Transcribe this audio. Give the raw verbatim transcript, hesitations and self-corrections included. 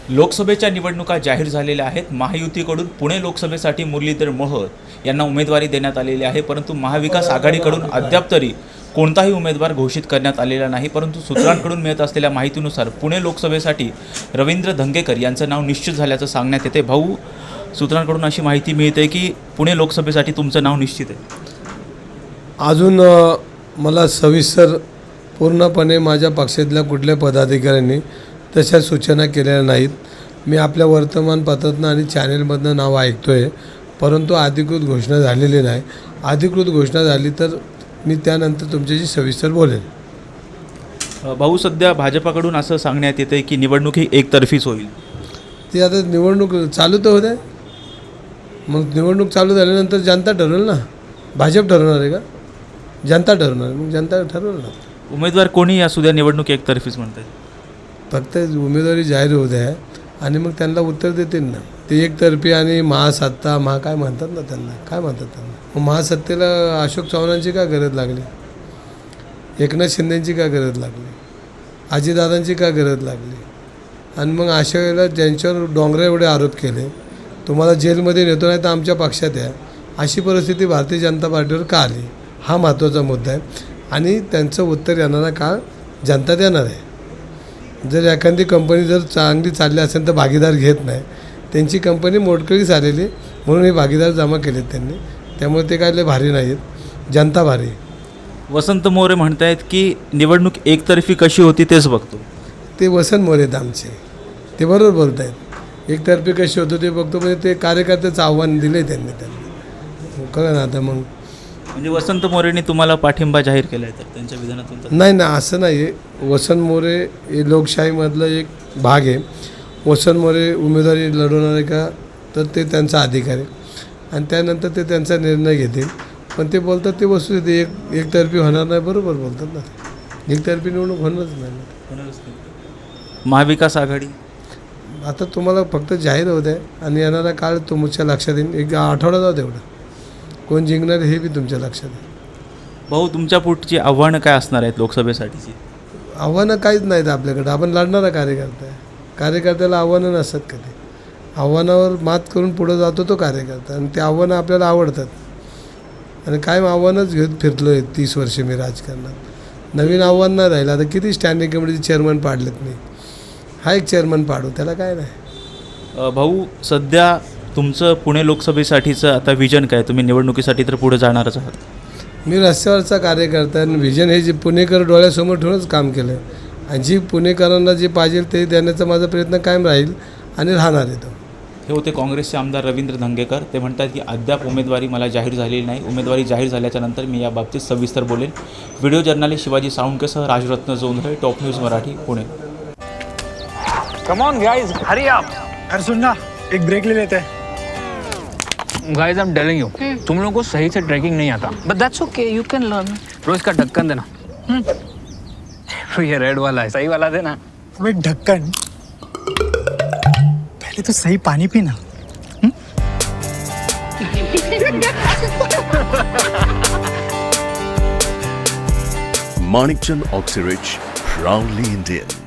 लोकसभेच्या निवडणुका जाहीर झालेल्या आहेत. महायुतीकडून पुणे लोकसभेसाठी मुरलीधर मोहोळ यांना उमेदवारी देण्यात आलेली आहे, परंतु महाविकास आघाडीकडून अद्याप तरी कोणताही उमेदवार घोषित करण्यात आलेला नाही. परंतु सूत्रांकडून मिळत असलेल्या माहितीनुसार पुणे लोकसभेसाठी रवींद्र धंगेकर यांचं नाव निश्चित झाल्याचं सांगण्यात येते. भाऊ, सूत्रांकडून अशी माहिती मिळते की पुणे लोकसभेसाठी तुमचं नाव निश्चित आहे. अजून मला सविस्तर पूर्णपणे माझ्या पक्षातल्या कुठल्या पदाधिकाऱ्यांनी तशा सूचना केलेल्या नाहीत. मी आपल्या वर्तमानपत्रातनं आणि चॅनेलमधनं नाव ऐकतो आहे, परंतु अधिकृत घोषणा झालेली नाही. अधिकृत घोषणा झाली तर मी त्यानंतर तुमच्याशी सविस्तर बोलेन. भाऊ, सध्या भाजपाकडून असं सांगण्यात येतं की निवडणूक ही एकतर्फीच होईल. ती आता निवडणूक चालू तर होते, मग निवडणूक चालू झाल्यानंतर जनता ठरवेल ना. भाजप ठरवणार आहे का? जनता ठरवणार, मग जनता ठरवेल ना. उमेदवार कोणी असू द्या, निवडणूक एकतर्फीच म्हणतात. फक्त उमेदवारी जाहीर होत आहे आणि मग त्यांना उत्तर देतील ना. ते एकतर्फी आणि महासत्ता महा काय म्हणतात ना, त्यांना काय म्हणतात त्यांना. मग महासत्तेला अशोक चव्हाणांची का गरज लागली? एकनाथ शिंदेंची का गरज लागली? अजितदादांची का गरज लागली? आणि मग अशा वेळेला ज्यांच्यावर डोंगरा एवढे आरोप केले, तुम्हाला जेलमध्ये नेतो नाही तर आमच्या पक्षात आहे, अशी परिस्थिती भारतीय जनता पार्टीवर का आली? हा महत्त्वाचा मुद्दा आहे आणि त्यांचं उत्तर येणारा काळ जनता देणार आहे. जर एखादी कंपनी जर चांगली चालली असेल तर भागीदार घेत नाही. त्यांची कंपनी मोडकळीस आलेली म्हणून हे भागीदार जमा केलेत त्यांनी, त्यामुळे ते काय लय भारी नाहीत, जनता भारी. वसंत मोरे म्हणतायत की निवडणूक एकतर्फी कशी होती तेच बघतो. ते वसंत मोरे आहेत आमचे, ते बरोबर बोलत आहेत. एकतर्फी कशी होतं ते बघतो, म्हणजे ते कार्यकर्त्याचं आव्हान दिलं आहे त्यांनी त्यांनी कळलं ना. आता मग म्हणजे वसंत मोरेंनी तुम्हाला पाठिंबा जाहीर केला आहे तर त्यांच्या विधानातून? नाही ना, असं नाही आहे. वसंत मोरे हे लोकशाहीमधलं एक भाग आहे. वसंत मोरे उमेदवारी लढवणार आहे का तर ते त्यांचा अधिकार आहे आणि त्यानंतर ते त्यांचा निर्णय घेतील. पण ते बोलतात ते वस्तू येते एक एकतर्फी होणार नाही, बरोबर बोलतात ना. एकतर्फी निवडणूक होणारच नाही. महाविकास आघाडी आता तुम्हाला फक्त जाहीर होत आहे आणि येणारा काळ तुमच्या लक्षात येईल. एक आठवडा जाऊ तेवढं कोण जिंकणार हे बी तुमच्या लक्षात आहे. भाऊ, तुमच्या पुढची आव्हानं काय असणार आहेत लोकसभेसाठीची? आव्हानं काहीच नाहीत आपल्याकडं. आपण लढणारा कार्यकर्ता आहे. कार्यकर्त्याला आव्हानं नसतात कधी. आव्हानावर मात करून पुढं जातो तो कार्यकर्ता आणि ते आव्हानं आपल्याला आवडतात आणि कायम आव्हानच घेत फिरलो आहे तीस वर्षे मी राजकारणात. नवीन आव्हान नाही राहिलं. आता किती स्टँडिंग कमिटीचे चेअरमन पाडलेत मी, हा एक चेअरमन पाडू, त्याला काय नाही. भाऊ, सध्या तुमचं पुणे लोकसभेसाठीचं आता विजन काय? तुम्ही निवडणुकीसाठी तर पुढे जाणारच आहात. मी रस्त्यावरचा कार्यकर्ता आणि विजन हे जे पुणेकर डोळ्यासमोर ठेवूनच काम केलं आहे आणि जी पुणेकरांना जे पाहिजे ते देण्याचा माझा प्रयत्न कायम राहील आणि राहणार आहे तो. हे होते काँग्रेसचे आमदार रवींद्र धंगेकर. ते म्हणतात की अद्याप उमेदवारी मला जाहीर झालेली नाही. उमेदवारी जाहीर झाल्याच्या नंतर मी याबाबतीत सविस्तर बोलेन. व्हिडिओ जर्नलिस्ट शिवाजी साळुंकेसह Rajratna Jondhale, top news Marathi, Pune. Come on guys, hurry up. अरे सुन ना, एक ब्रेक ले लेते हैं. Guys, I am telling you, तुम लोगों को सही से ट्रैकिंग नहीं आता. But that's okay, you can learn. रोज का ढक्कन देना. ये रेड वाला है, सही वाला देना. अबे ढक्कन, पहले तो सही पानी पीना. Manikchand Oxyrich, proudly Indian.